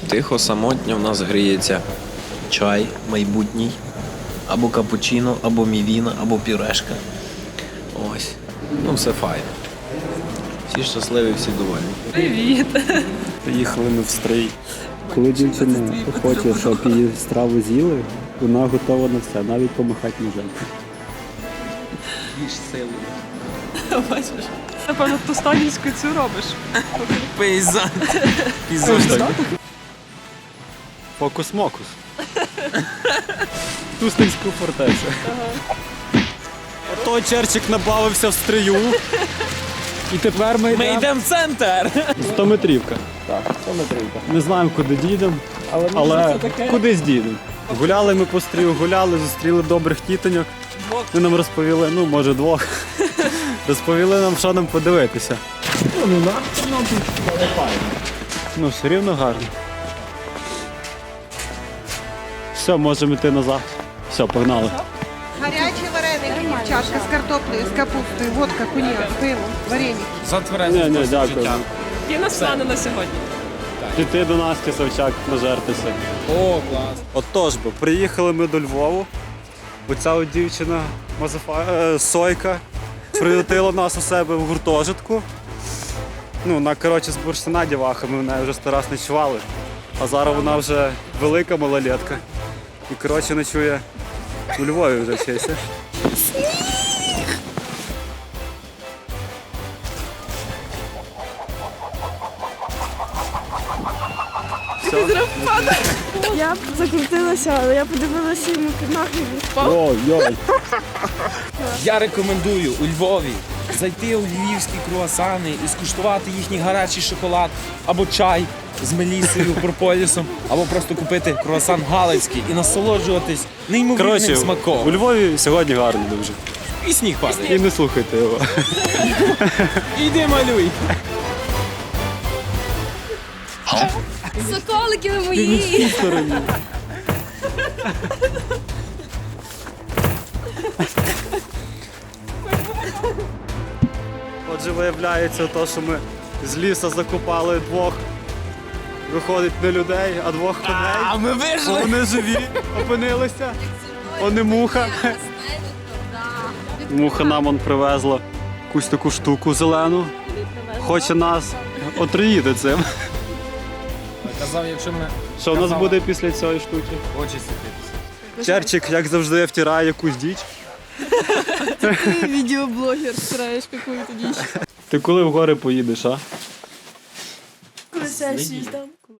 Тихо, самотньо в нас гріється чай майбутній, або капучино, або мівіна, або пюрешка. Ось. Ну, все файно. Всі щасливі, всі довольні. Привіт! Приїхали ми в стрий. Коли дівчина хоче, щоб її страву з'їли, вона готова на все, навіть помахати ножем. Їж силою. Бачиш? Напевно, ту сталінську цю робиш. Пейзан. Фокус-мокус. Тустинську фортецю. Ото Черчик набавився в стрию. І тепер ми йдемо в центр! 100-метрівка. Так, 100-метрівка. Не знаємо, куди дійдемо, але кудись дійдемо. Гуляли ми по стрію, гуляли, зустріли добрих тітоньок. Вони нам розповіли, ну може двох. Розповіли нам, що нам подивитися. Ну, все рівно гарно. Все, можемо йти назад. Все, погнали. Гарячі вареники, дівчатка, з картоплею, з капустою, водка, коньяк, пиво, вареники. Ні, дякую. Є нас плани на сьогодні. Піти до Насті Савчак, нажертися. О, клас. Отож бо, приїхали ми до Львову. Оця от дівчина Сойка приютила нас у себе в гуртожитку. Ну, вона, коротше, з бурштина діваха, ми в неї вже 100 раз ночували. А зараз вона вже велика малолетка. І, коротше, ночує у Львові вже вчиться. Я б закрутилася, але я подивилася йому під ноги і він впав. Ой-ой. Я рекомендую у Львові зайти у львівські круасани і скуштувати їхній гарячий шоколад або чай з мелісою, прополісом, або просто купити круасан галицький і насолоджуватись неймовірним Коротше, у смаком. Львові сьогодні гарно дуже. І сніг падає. І не слухайте його. Іди малюй. Соколики ви мої! Отже, виявляється, то, що ми з лісу закопали двох, виходить, не людей, а двох коней. А ми вижили! Вони живі, опинилися. Вони муха. Муха нам он привезла якусь таку штуку зелену. Хоче нас отруїти цим. Казав, якщо ми Що в нас буде після цієї штуки? очі світитися. Черчик, як завжди, втирає якусь діч. Ти відеоблогер, стираєш какую-то дичь. Ти коли в гори поїдеш, а? Коли сесію здам.